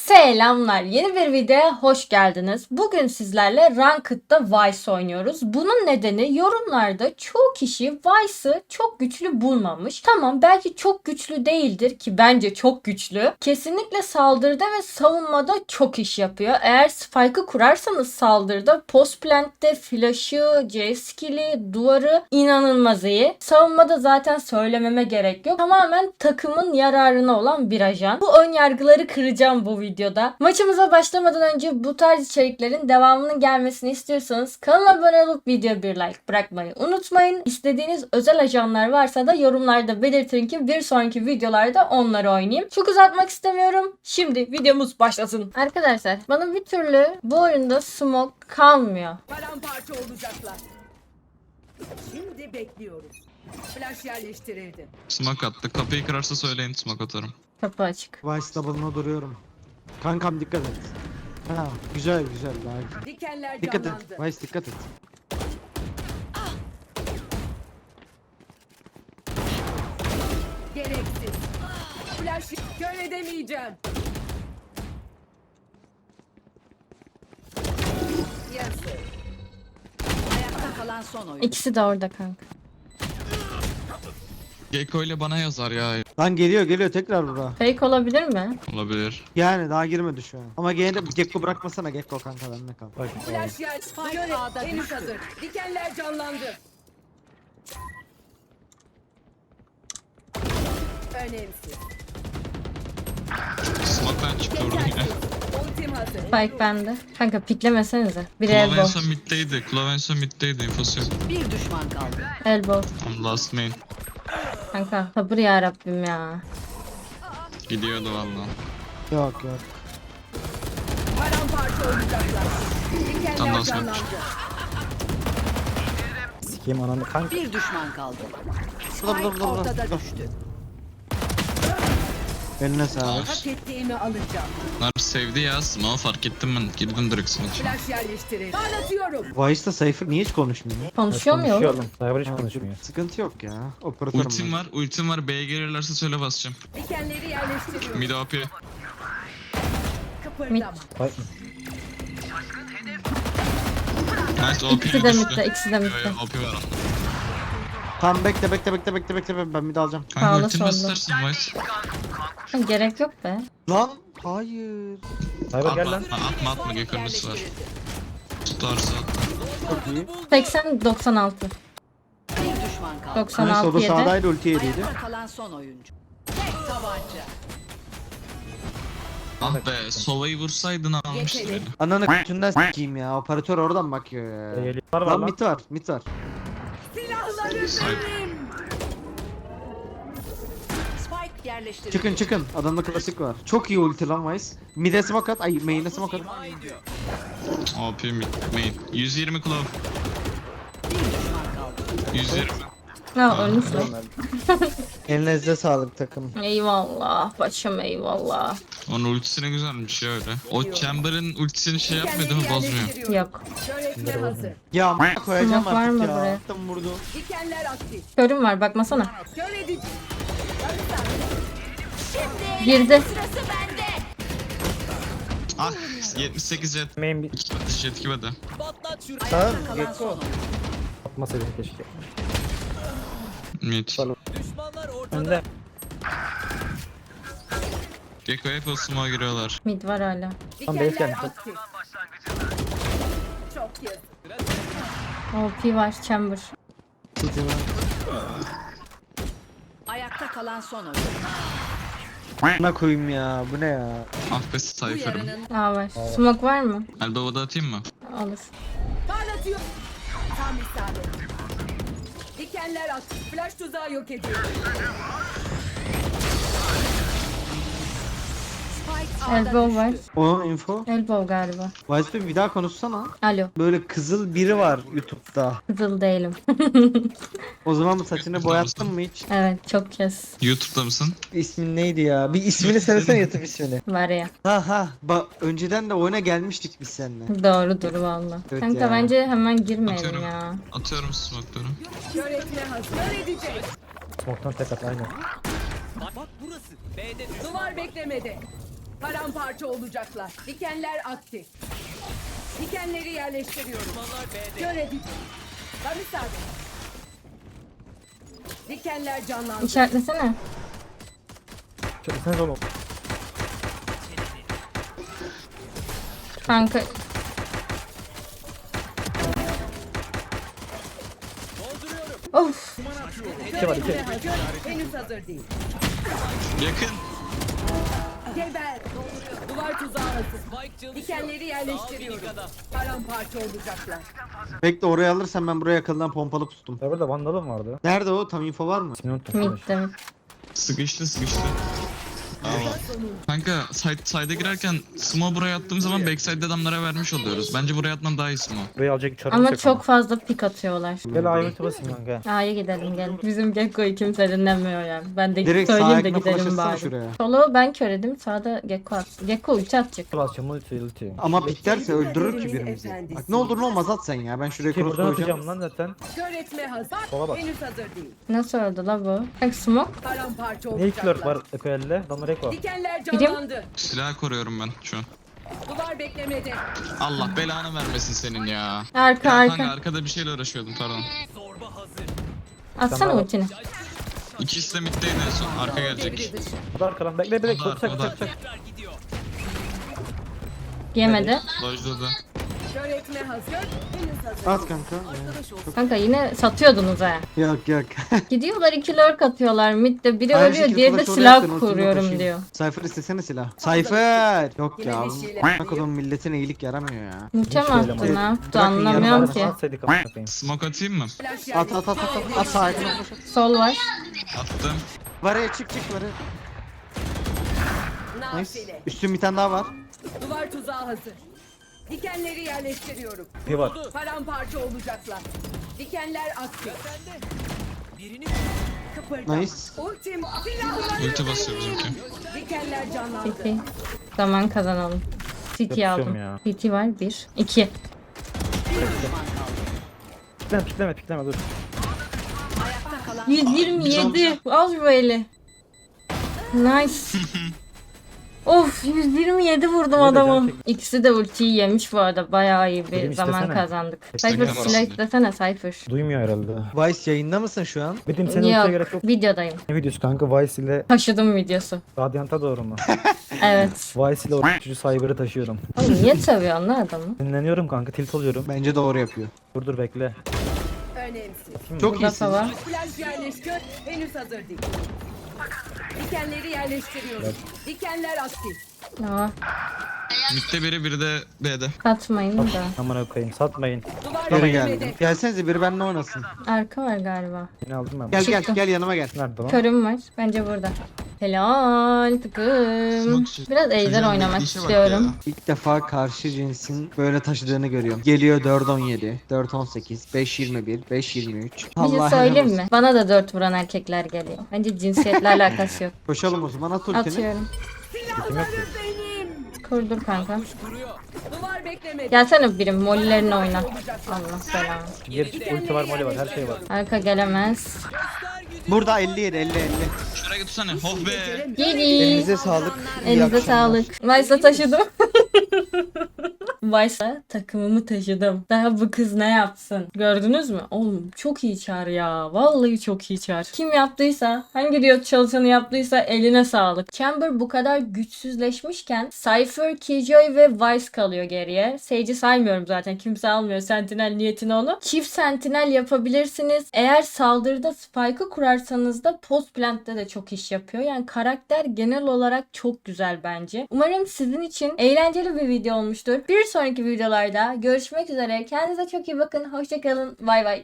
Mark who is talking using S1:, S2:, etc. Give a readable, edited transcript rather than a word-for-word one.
S1: Selamlar. Yeni bir videoya hoş geldiniz. Bugün sizlerle Ranked'da Vice oynuyoruz. Bunun nedeni yorumlarda çoğu kişi Vice'ı çok güçlü bulmamış. Tamam, belki çok güçlü değildir ki bence çok güçlü. Kesinlikle saldırıda ve savunmada çok iş yapıyor. Eğer spike'ı kurarsanız saldırıda post plant'te flash'ı, C skill'i, duvarı inanılmaz iyi. Savunmada zaten söylememe gerek yok. Tamamen takımın yararına olan bir ajan. Bu ön yargıları kıracağım bu videoda. Maçımıza başlamadan önce bu tarz içeriklerin devamının gelmesini istiyorsanız kanala abone olup video bir like bırakmayı unutmayın. İstediğiniz özel ajanlar varsa da yorumlarda belirtin ki bir sonraki videolarda onları oynayayım. Çok uzatmak istemiyorum. Şimdi videomuz başlasın. Arkadaşlar bana bir türlü bu oyunda smoke kalmıyor.
S2: Paramparça olacaklar. Şimdi bekliyoruz. Flash yerleştirildi.
S3: Smoke attı. Kapıyı kırarsa söyleyin, smoke atarım.
S1: Kapı açık.
S4: Vice double'ına duruyorum. Kankam dikkat et. Ha, güzel daha.
S2: Dikenler
S4: Dikkat
S2: canlandı.
S4: et. Vice dikkat et.
S2: Gereksiz. Flash kör edemeyeceğim. Yes. Ayakta kalan son oyun.
S1: İkisi de orada kanka.
S3: Gecko ile bana yazar ya.
S4: Lan geliyor tekrar bura.
S1: Fake olabilir mi?
S3: Olabilir.
S4: Yani daha girmedi şu an. Ama gene de Gekko bırakmasana Gekko kanka benimle kal.
S2: Flash yer. Göre henüz hazır. Dikenler canlandı. Önemsiz.
S3: Smoke'dan çıktı orada yine.
S2: Ultim hazır.
S1: Spike bende. Kanka piklemesenize. Bir
S3: Claw en
S1: elbow.
S3: son middeydi. Claw en son middeydi. İnfosu yok.
S2: Bir düşman kaldı.
S1: Elbow.
S3: I'm last main.
S1: Kanka sabır ya Rabbim ya.
S3: Gidiyordu valla.
S4: Yok.
S2: Paramparça olacaklar. Dikenler
S3: Tamam,
S2: canlandı.
S4: Sikeyim ananı kanka.
S2: Bir düşman kaldı.
S4: Dur.
S2: Spike ortada düştü.
S4: Eline sağlık.
S2: Hak ettiğimi alacağım.
S3: Bunlar sevdi ya. Smoke fark ettim ben. Girdim direkt smoke'a.
S2: Flash yerleştirin. Parlatıyorum.
S4: Vice'da Cypher niye hiç konuşmuyor?
S1: Konuşuyor mu yok?
S5: Cyber hiç konuşmuyor.
S4: Sıkıntı yok ya. Operatörüm
S3: Ultim var. B'ye gelirlerse söyle basacağım.
S2: Dikenleri yerleştiriyorum.
S3: Mid OP.
S2: Kıpırdama.
S5: Bak
S3: Nice OP
S1: İkisi de
S3: düştü.
S1: midde, ikisi de midde.
S3: OP var.
S4: Tamam bekle ben bir de alacağım.
S3: Kanka
S1: Sağla,
S3: ultim
S1: solla.
S3: bastırsın Vice.
S1: Ha, gerek yok be.
S4: Lan hayır.
S5: Cyber gel lan.
S3: Atma Gecko'nun üstü var. Tutarsa at.
S4: Çok iyi.
S1: 80-96.
S2: Bir düşman kaldı.
S1: 96
S4: Nice o da
S1: 7.
S4: sağdaydı ulti yediydi.
S2: Ayakta kalan son oyuncu. Tek tabanca.
S3: Ah be. Sova'yı vursaydın almıştı beni.
S4: Ananı kutundan sikeyim ya. Operatör oradan bakıyor ya.
S5: Geliyorlar var
S4: Lan
S5: lan.
S4: mit var.
S2: Silahları
S3: Sahip.
S2: verin. Spike yerleştirildi.
S4: Çıkın. Adamda klasik var. Çok iyi ulti lan Vice. Mid'e smoke at. Ay main'e smoke at.
S3: OP main. 120 Claw.
S2: Bir düşman kaldı.
S3: 120.
S1: Ha ölmüş lan.
S4: Elinize sağlık takım.
S1: Eyvallah. Başım eyvallah.
S3: Onun ultisine güzelmiş ya öyle. O Chamber'ın ultisini şey yapmıyor değil mi?
S2: Dikenleri
S3: Bozmuyor.
S2: yerleştiriyorum.
S1: Yok.
S2: Şöhretme hazır.
S4: Ya a**a koyacağım
S1: Smoke var
S4: artık
S1: mı
S4: ya.
S1: buraya?
S4: Attım vurdu.
S2: Dikenler aktif.
S1: Körüm var bakmasana.
S2: Kör edici.
S1: Girdi.
S3: Ah 78 jet.
S5: Main bir
S3: Jet 2 bede.
S2: Ayakta kalan son oyuncu.
S5: atmasaydın keşke.
S3: Mid.
S5: Önde.
S3: Gecko hep o smoke'a giriyorlar.
S1: Mid var hala.
S5: Tam base
S2: Dikenler
S5: gelmiş.
S2: aktif. Çok yazık.
S1: OP var chamber.
S4: City var.
S2: Ayakta kalan son oyuncu.
S4: Ne koyayım ya. Bu ne ya?
S3: Ah be
S2: Bu
S3: Cypher'ım.
S2: yarının
S1: Aa var. Smoke var mı?
S3: Elbow'da atayım mı?
S1: Alır.
S2: parlatıyor. Tam isabet. Dikenler aktif. Flash tuzağı yok ediyor. Spike
S1: Elbow
S2: ağda
S1: var.
S2: düştü.
S4: Onun info.
S1: Elbow galiba.
S4: Vice bir daha konuşsana.
S1: Alo.
S4: Böyle kızıl biri var YouTube'da.
S1: Kızıl değilim.
S4: O zaman bu saçını boyattın mı hiç?
S1: Evet çok kez.
S3: YouTube'da mısın?
S4: İsmin neydi ya? Bir ismini söylesene YouTube ismini.
S1: Var ya.
S4: Ha. Bak önceden de oyuna gelmiştik biz seninle.
S1: Doğrudur valla.
S4: Evet
S1: Kanka
S4: ya.
S1: bence hemen girmeyelim
S3: Atıyorum.
S1: ya.
S3: Atıyorum smoke'ları.
S2: Şöhretme hazır. Kör edecek.
S5: Smoke'tan tek at aynen.
S2: Duvar beklemedi. Paramparça olacaklar. Dikenler aktif. Dikenleri yerleştiriyorum. Kör edici. Tam isabet. Dikenler canlandı.
S1: İşaretlesene.
S5: Çekilseniz oğlum.
S1: Kanka of.
S5: İki var, iki.
S2: Üretime hazır. Henüz hazır değil.
S3: Yakın.
S2: Geber. Duvar tuzağı hazır. Dikenleri yerleştiriyorum. Paramparça olacaklar.
S4: Bekle, oraya alırsan ben buraya yakından pompalı pustum.
S5: Cyber'da vandalım vardı.
S4: Nerede o? Tam info var mı?
S5: İsmini unuttum.
S1: Midde mid.
S3: Sıkıştı. Kanka side'a girerken smoke buraya attığım zaman backside adamlara vermiş oluyoruz. Bence buraya atmam daha iyi smoke.
S5: Buraya alacak çarımız
S1: Ama
S5: yok
S1: çok fazla pik atıyorlar.
S5: Gel ayıntı basayım kanka.
S1: A'ya gidelim gel. Bizim Gekko'yu kimse dinlemiyor yani. Ben de
S4: Direkt
S1: söyleyeyim de
S4: sahibine flash
S1: gidelim
S4: atsana
S1: bari.
S4: şuraya.
S1: Solo ben köredim. Sağda Gekko at. Gekko ulti atacak.
S5: Basacağım ulti.
S4: Ama piklerse öldürür ki
S2: Kaderin
S4: birimizi.
S2: efendisi.
S4: Bak ne olur ne olmaz at sen ya. Ben şuraya
S5: Ki
S4: cross
S5: buradan
S4: koyacağım.
S5: atacağım lan zaten.
S2: Kör etme hazır.
S5: Sola bak.
S2: Henüz hazır değil.
S1: Nasıl öldü la bu? Bak smoke.
S2: Paramparça
S5: Ne iki lurk
S2: olacaklar.
S5: var Ekoel'le? Adamlar Eko.
S2: Dikenler
S1: Birim.
S2: canlandı.
S3: Silah koruyorum ben şu an.
S2: Duvar beklemede.
S3: Allah belanı vermesin senin ya.
S1: Arka
S3: Ya kanka
S1: arka.
S3: arkada bir şeyle uğraşıyordum pardon.
S1: Atsana
S5: Tamam.
S1: ultini.
S3: İkisi de middeydi en son. Arka gelecek.
S2: Devre dışı.
S5: O da arkadan. Bekle bekle.
S3: O da
S5: Çok çak
S3: arka, o da
S5: çak çak.
S1: Yemedi.
S3: Lojda da.
S2: Kör etme hazır. Henüz hazır.
S4: At kanka.
S1: Kanka yine satıyordunuz ha.
S4: Yok yok.
S1: Gidiyorlar 2 lurk atıyorlar. Midde biri
S4: Aynı
S1: ölüyor,
S4: şekilde
S1: diğeri de
S4: flash oraya attın,
S1: silah
S4: ultimi
S1: kuruyorum
S4: taşıyayım.
S1: diyor.
S4: Cypher istesene silah. Cypher! Yok
S2: Yine
S4: ya.
S2: bir şeyler
S4: Bak oğlum milletin iyilik yaramıyor ya.
S1: Ulti mi
S5: Hiç
S1: attı
S5: öyle
S1: ne yaptı
S4: Bırakın
S1: anlamıyorum
S4: yarım
S1: ki.
S5: Atsaydık ama bakayım.
S3: Smoke atayım mı?
S2: Flash
S4: At at at at at. At sahibine flash at.
S1: Sol var.
S3: Attım.
S4: Var ya, çık var ya. Nice.
S2: Nafile.
S4: Üstün bir tane daha var.
S2: Duvar tuzağı hazır. Dikenleri yerleştiriyorum.
S5: Bir var.
S2: Paramparça olacaklar. Dikenler aktif. Kıpırda.
S4: Nice.
S2: Ultim silahları.
S3: Ulti basıyor bizimki.
S2: Dikenler canlandı.
S1: CT. Zaman kazanalım. CT
S5: Yapışıyorum
S1: aldım.
S5: ya.
S1: CT var 1. 2.
S5: Pikleme dur.
S1: 127. Al şu eli. Nice. Of 127 vurdum
S5: de
S1: adamı.
S5: can çek-
S1: İkisi de ultiyi yemiş bu arada. Bayağı iyi bir
S5: Benim
S1: zaman
S5: istesene.
S1: kazandık.
S5: İstesene
S1: Cypher
S3: bana.
S1: silah istesene Cypher.
S5: Duymuyor herhalde.
S4: Vice yayında mısın şu an?
S5: Benim senin ultiye gerek yok.
S1: Videodayım.
S5: Ne videosu kanka? Vice ile
S1: Taşıdım videosu.
S5: Radiant'a doğru mu?
S1: Evet.
S5: Vice ile o çocuğu Cyber'ı taşıyorum.
S1: Oğlum niye seviyorsun lan adamı?
S5: Dinleniyorum kanka, tilt oluyorum.
S4: Bence doğru yapıyor.
S5: Dur bekle.
S2: Önemsiz.
S4: Çok
S1: Burada
S4: iyisin.
S1: var.
S2: Flash yerleştir. Henüz hazır değil. Dikenleri yerleştiriyorum. Dikenler aktif.
S1: Aa,
S3: Midde biri de B'de.
S1: katmayın da.
S5: Amına koyayım, satmayın.
S2: Duvar
S4: Geri
S2: beklemede.
S4: geldim. Gelsenize biri benimle oynasın.
S1: Arka var galiba.
S5: Yine aldım ben.
S4: Gel
S1: Çıktı.
S4: gel yanıma gel.
S5: Nerede lan?
S1: Körüm var. Bence burada. Helal takım. Biraz ejder
S3: Çocuğun
S1: oynamak
S3: işe bak
S1: istiyorum.
S3: ya.
S4: İlk defa karşı cinsin böyle taşıdığını görüyorum. Geliyor 4-17, 4-18, 5-21, 5-23.
S1: Bir şey söyleyeyim mi? Bana da 4 vuran erkekler geliyor. Bence cinsiyetle alakası yok.
S4: Koşalım o zaman, at ultini.
S1: Atıyorum.
S2: Silahları benim.
S1: Kurdur kanka.
S2: Duvar beklemede.
S1: Gelsene birim. Mollilerini oyna. Allah belanı.
S5: Geri ulti var, moli var, her şey var.
S1: Arka gelemez.
S4: Burada 57, 50.
S3: Şuraya tutsana. Oh be.
S1: Geri.
S4: Elinize sağlık. İyi
S1: Elinize
S4: akşamlar.
S1: sağlık. Vice'a taşıdım. Vice'a takımımı taşıdım. Daha bu kız ne yapsın? Gördünüz mü? Oğlum çok iyi çağır ya. Vallahi çok iyi çağır. Kim yaptıysa, hangi Riot çalışanı yaptıysa eline sağlık. Chamber bu kadar güçsüzleşmişken Cypher, Killjoy ve Vice kalıyor geriye. Sage'i saymıyorum zaten. Kimse almıyor Sentinel niyetine onu. Çift Sentinel yapabilirsiniz. Eğer saldırıda Spike'ı kurarsanız da post plant'te de çok iş yapıyor. Yani karakter genel olarak çok güzel bence. Umarım sizin için eğlenceli bir video olmuştur. Bir sonraki videolarda görüşmek üzere. Kendinize çok iyi bakın. Hoşça kalın. Bay bay.